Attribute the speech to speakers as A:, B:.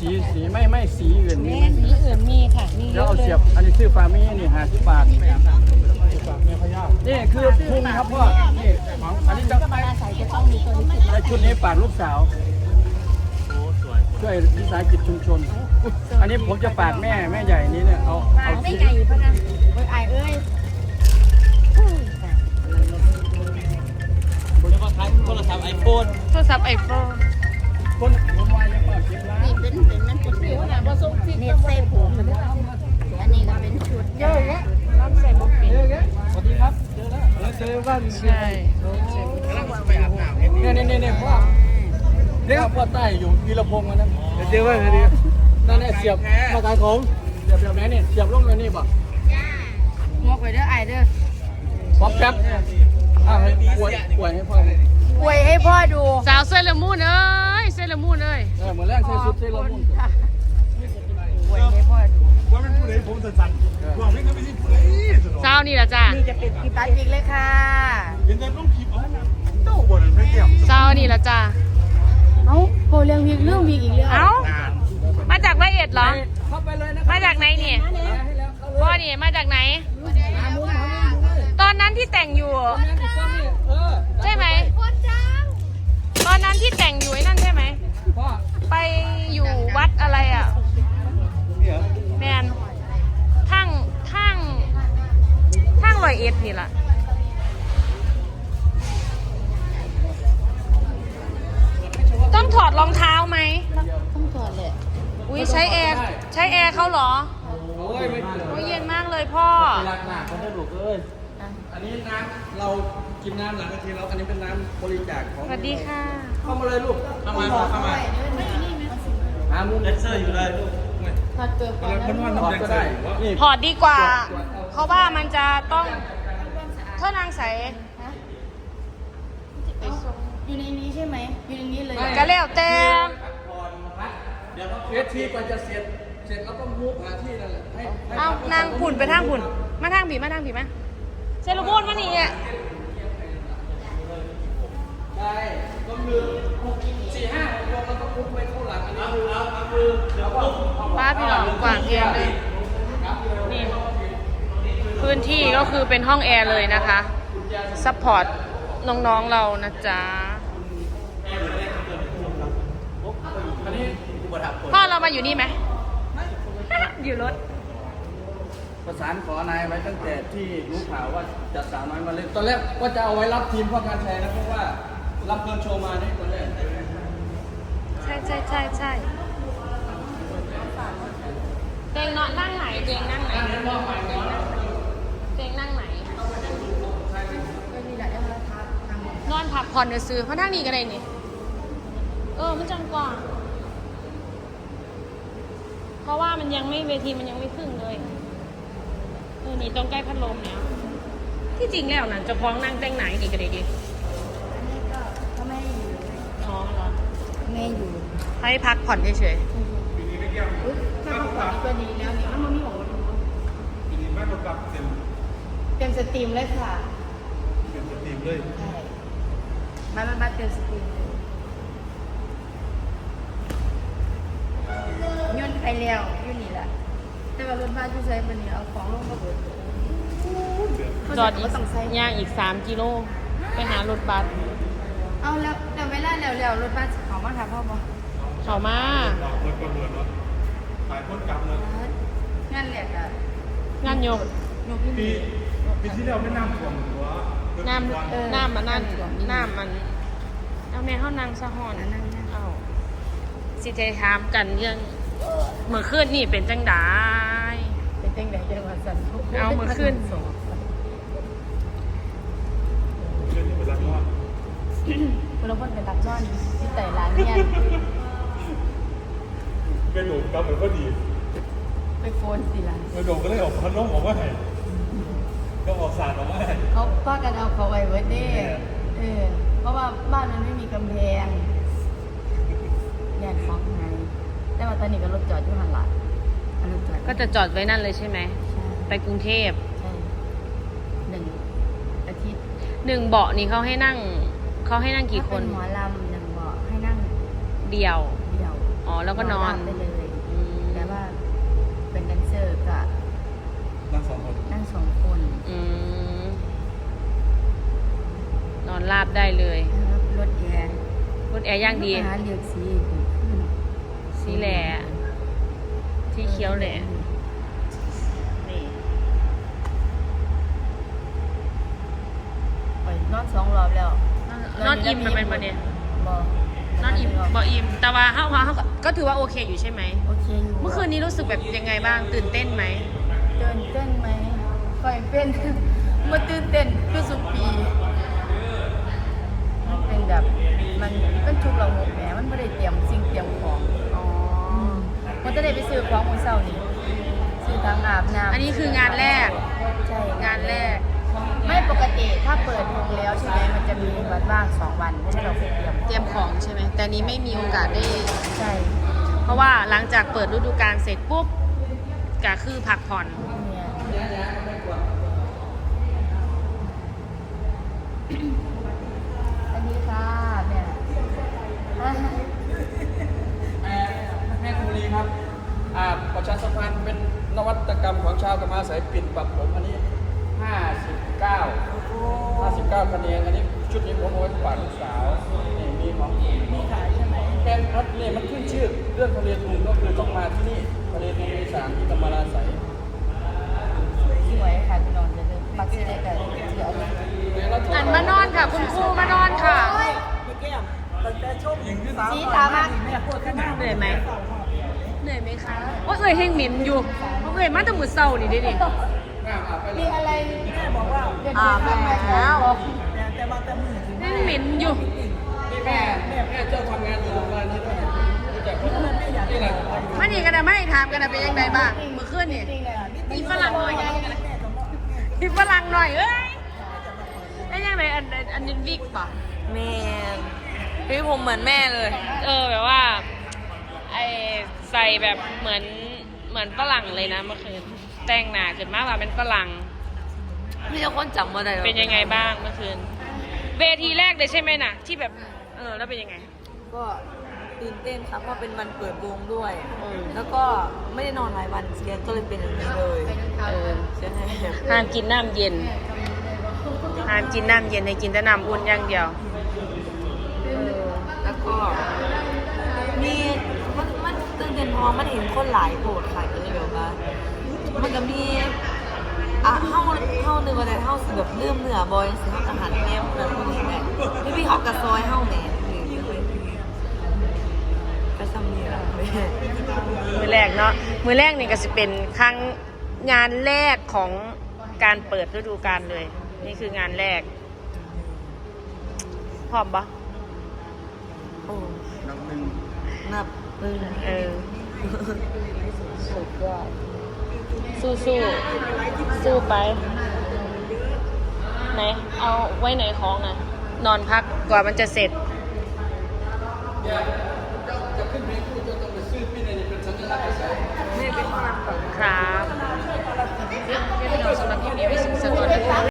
A: สีไม่สีอื่นมี
B: แม่สีอื่นมีค่ะมีเย
A: แล้ว
B: อะ
A: เอา
B: เล
A: เสี
B: ย
A: ยบอันนี้ซื้อฟาร์มี่นี่50 บาท
C: แม่พญา
A: นี่คือพุงครับพ่อนี่อันนี้จะ
B: ก็มาอาศัยจะต้องมีตัวนี้ติด
A: ในชุดนี้ฝากลูกสาว
C: โอ้สวย
A: ช่วยวิสาหกิจชุมชน อันนี้ผมจะฝากแม่ใหญ่นี้เนี่ยเอา
B: ฝากไม่ไงเพราะนะเอ้ยไอเอ้ย
C: แล้วก็ขายโทรศัพท์ไอโฟน
D: โทรศัพท์ไอโฟน
A: คนผมว่าจะเปิด10 ล้าน
B: นี่เป็นมันเป็นผิวนะผสมฟิตเน็ตเซฟผมอันนี้ก็เป็นชุดเยอะแยะ
D: รับใส่บุกเป็น
A: สวัสดีครับเจอบ้าน
D: ใช่
C: กำลังไปอาบน้ำเห็น
A: เนี่ยพ่อพ่อใต้อยู่วีรพงษ์มานั้น
C: เจอว่าไงดี
A: นั่นเนี่ยเสียบมาขายของเสียบแบบไหนเนี่ยเสียบลงเลยนี่บ่
B: งอกไปเด้อไอเด้อ
A: ป๊อปแป๊บให้ป่วยให้พ่อ
B: อวยให้พ่อดู
D: สาวเซเลอร์มูนเอ้ยเซเลอร์มูนเอ้ย
A: เหมือนแรกใส่ชุดใส่ละมุน
B: อวยให้พ่อดู
C: ว่าเป็นผู้ใดผมสั่นๆว่าไม่ก็ไม่ใช่ผู้ใดสนอง
D: สาวนี่แหละจ้า
B: นี่จะเป็นกีตัดอีกเลยค่ะ
C: เห็นแต่ต้องคลิปเอาเต้าบ่นไม่เกี่ยว
D: สาวนี่แหละจ้า
B: เอ้าโปรเรื่องวิกเรื่องวิกอีกเรื่อง
D: เอ้ามาจากร้อยเอ็ดเหรอ
A: เข้าไปเลยนะ
D: มาจากไหนเนี่ยพ่อนี่มาจากไหน ตอนนั้นที่แต่งอยู่ใช่ไหมตอนนั้นที่แต่งอยู่ไอ้นั่นใช่ไหม
A: พ่อ
D: ไปอยู่วัดอะไรอ่ะ
C: เนี่ย
D: แมนทั้งร้อยเอ็ดนี่แหละต้องถอดรองเท้าไหม
B: ต้องถอดเลย
D: อุ้ยใช้แอร์เขาเหรอ
A: โอ้ยไม่
D: โอ้ยเย็นมากเลยพ่อ
A: รักหนักเขาได้ลูกเอ้ยอันนี้น้ำเรากินน้ำหลังกะทิแล้วอันนี้เป็นน้ำบริจาคของ
D: สวัสดีค่ะ
A: เข้ามาเลยลูก
C: เข้ามาเข้ามา
A: หามุม
C: เลเซอร์อยู่เลยลูก
B: ถอดเกือบก่อน
C: มันว่า
A: ถอด
C: น้ำแดง
A: ก็
C: ใส่
A: ได้นี่
D: ถอดดีกว่า เพราะว่ามันจะต้องเท่านางใส
B: อยู่ในนี้ใช่ไหมอยู่ในนี้เลย
D: ก็แล้วแต่
A: เดี๋ยวเวทีกว่าจะเสร็จแล้วก็มุกหาที่นั่นแหละให้
D: เอานางผุ่นไปทางผุ่นมาทางผีมาเซลูบูนมานี่อ่ะ
A: ได้ก็คือ4-5 6 แล้วก็มุกไปเข้าหลังอันนี้คือแล้วก็
D: ป้าพี่หลองกวางแอร์เลยนี่พื้นที่ก็คือเป็นห้องแอร์เลยนะคะซัพพอร์ตน้องๆเรานะจ๊ะ
A: อันนี้อุปถัมภ์
D: พ่อเรามาอยู่นี่ไหม อยู่รถ
A: ประสานขอนายไว้ตั้งแต่ที่รู้ข่าวว่าจะสาวน้อยมาเล่นตอนแรกว่าจะเอาไว้รับทีมพ่อการแชร์นะเพราะว่ารับเกินโชว์มาได้ตอนแรก
D: ใช่เจงนอนนั่งไหนเจงนั่งไหนเจงนั่งไหน
B: นี่แหละเดี๋ยวเราทับทางหมด
D: นอนพักผ่อนซื้อเพราะนั่งนี่ก็ได้นี่มันจังกว่า เพราะว่ามันยังไม่เวทีมันยังไม่ครึ่งเลยนี่ตรงใกล้พัดลมเนี่ยที่จริงแล้วนะจะพ้องนั่งแต่งไหนนี่ก็ได้ดิ
B: อันนี้ก็เขาไม่ให้อยู่
D: อ๋อเหรอ
B: ไม่ให้อยู่
D: ให้พักผ่อนเฉย
B: อุ๊ยถ้าเขาขอดีก็ดีแล้วนี่มันไม่หมด
C: ปีนี้บ้านรถกลับเต็ม
B: เต็มสตรีมเลยค่ะ
C: เต็มสตรีมเลย
B: ใช่มาเต็มสตรีมเลยย่นไปแล้วอยู่นี่แหละแต่ว่ารถบ้านที่ใช้บันนี้เอาของลงมาเบิด
D: ๆจอดอีก
B: ต้องใช้
D: ย่างอีก3 กิโลไปหารถบัส
B: เอาแล้วแต่เวลาแล้วรถบ้านเขามาค่ะพ่อบอก
D: เขามา
C: ดอกรถก็เรือนเนาะขายคนกลับเลย
B: งานแหลกอ่ะ
D: งานโยก
B: ยกที่
C: ปีที่แล้วไม่น้ำท่วมหัว
D: น้ำมันนั่นน้ำมันเอาแม่เข้านางสะหอน
B: นั่น
D: เอาสิเทถามกันเรื่องเมื่อคืนนี่เป็นจังได
B: เป็นเต้งไหนจังหวัดสัน
D: เอามือขึ้น
C: เรื่องนี้เป็นรักนอน
B: คุณลงพลเป็นตักจ้อนที่ไต่ร้านเนี่ย
C: เป็นหนุ่มกลับเหมือนก็ดี
B: ไปโฟนสิล่ะ
C: เป็นหนุ่มก็เลยออกพันน้องออกมาให้ก็ออกสารออกมาให้
B: เขาป้ากันเอาเขาไว้เวิร์ดเด้เพราะว่าบ้านมันไม่มีกำแพงแยกฟ้องไงแต่ว่าตอนนี้ก็รถจอดอยู่หันหลังรถจอด
D: ก็จะจอดไว้นั่นเลยใช่ไหม
B: ใช่
D: ไปกรุงเทพ
B: ใช่1 อาทิตย์
D: 1 เบาะนี่เขาให้นั่งกี่คน
B: ถ้าเป็นหมอลำ1 เบาะให้นั่ง
D: เดียว
B: เดียว
D: อ๋อแล้วก็นอน
B: ราบได้เลย
D: อืม
B: แต่ว่าเป็นแดนเซอร์ก็
C: นั่งสองคน
B: นั่ง2 คน
D: อืมนอนราบได้เลย
B: นะครับรถแอร์
D: รถแอร์ย่างดี
B: หาเลือกสีขึ้น
D: สีแหล่สีเขียวแหล่นี่
B: ไปนอน2 รอบแล้ว
D: นอนอิ่มมันเป็นประเด็น
B: บ่
D: นอนอิ่มบ่อิ่มแต่ว่าเขาก็ถือว่าโอเคอยู่ใช่ไหม
B: โอเคอยู่
D: เมื่อคืนนี้รู้สึกแบบยังไงบ้างตื่นเต้นไหม
B: ตื่นเต้นไหมค่อยเป็น มาตื่นเต้นคือสุปีมันเป็นแบบมันทุกระบบแหมมันไม่ได้เตรียมสิ่งเตรียมของ
D: อ๋อ
B: มันจะได้ไปซื้อของมื้อเช้านี้ซื้อทั้งอาบน้ำ
D: อันนี้คืองานแรก
B: ใช่
D: งานแรก
B: ไม่ปกติถ้าเปิดวงแล้วใช่ไหมมันจะมีวันว่าง2 วันให้เราไปเตรียม
D: เตรียมของใช่ไหมแต่นี้ไม่มีโอกาสได้
B: ใช่
D: เพราะว่าหลังจากเปิดฤดูกาลเสร็จปุ๊บก็คือพักผ่อน
B: เนี่ยอันนี้ค่ะเนี่ย
A: แม่คุรีครับประชาสัมพันธ์เป็นนวัตกรรมของชาวกมาสายปิ่นปรับผมอันนี้ 59คะแนนอันนี้ชุดนี้ผมเอาไว้ฝากลูกสาวนี่มีของมีขายใช่ไหมแกงพัดนี่มันขึ้นชื่อเรื่องทะเลทุงก็คือต้องมาที่นี่ทะเลทุงอีสานที่กำมะลาใส
B: สวยค่ะพี่น้องจะเดินปักเสด็จแต่เดี๋ยว
D: อันมานอนค่ะ คุณครูมานอนค่ะ
B: สีตามาก
D: เหนื่อยไหมเหนื่อยไหมคะโอ้ยเอ่ยเฮงหมิ่นอยู่เอ่ยมาแต่มือเศร้านี่ดินี่
B: มีอะไรแม่บอกว่า
D: แบบแล้ว
B: แต่มาแต่มือ
D: เฮงหมิ่นอยู่
A: นี่แม่เจ้าทำงานอยู่โรงงานนี้ด้วยรู้จักไหมนี่แหละ
D: มานี่กันนะไม่ถามกันนะเป็นยังไงบ้างเมื่อคืนนี่มีฝรั่งหน่อยมีฝรั่งหน่อยเอ้ยเป็นยังไงอันนี้วิกป่ะ
E: แม่พี่ผมเหมือนแม่เลย
D: แบบว่าไอใส่แบบเหมือนฝรั่งเลยนะเมื่อคืนแต่งหน้าขึ้นมากว่าเป็นฝรั่ง
E: พี่จะคนจำว่าได้หรอ
D: เป็นยังไงบ้างเมื่อคืนเวทีแรกเลยใช่ไหมน่ะที่แบบแล้วเป็นยังไง
E: ก็ตื่นเต้นครับเพราะเป็นวันเปิดวงด้วย
D: อืม
E: แล้วก็ไม่ได้นอนหลายวันเสียก็เลยเป็นอย่างนี้เลยใช่ไหม
D: ห้ามกินน้ำเย็นห้ามกินน้ำเย็นให้กินแต่น้ำอุ่นอย่างเดียว
E: แล้วก็มีมันตื่นเต้นเพราะว่ามันเห็นคนหลายโกรธค่ะก็เลยแบบว่ามันก็มีเข้านึกว่าแต่เข้าสิแบบเลื่อมเหนือบอยสิเข้าอาหารแง่แบบพวกนี้แหละพี่เขากระซอยเข้าแหน่ก็ทำนี่แหละแม่
D: มือแรกเนาะมือแรกนี่ก็จะเป็นครั้งงานแรกของการเปิดฤดูกาลเลย นี่คืองานแรกพร้อมปะ
E: โอ้
A: นับหนึ่ง
E: นับหนึ่ง
D: สุดยอดสู้สู้ไปไหนเอาไว้ไหนของนะนอนพักกว่ามันจะเสร็จ
A: จะขึ้นเพลงคู่จะต้องไปซื้อพี่ในนี่เป็นสัญลักษณ์เฉย
E: นี่เป็นความ
D: ครับเรียบร้อยสำหรับคลิปนี้ไว้สิ่งสักตัว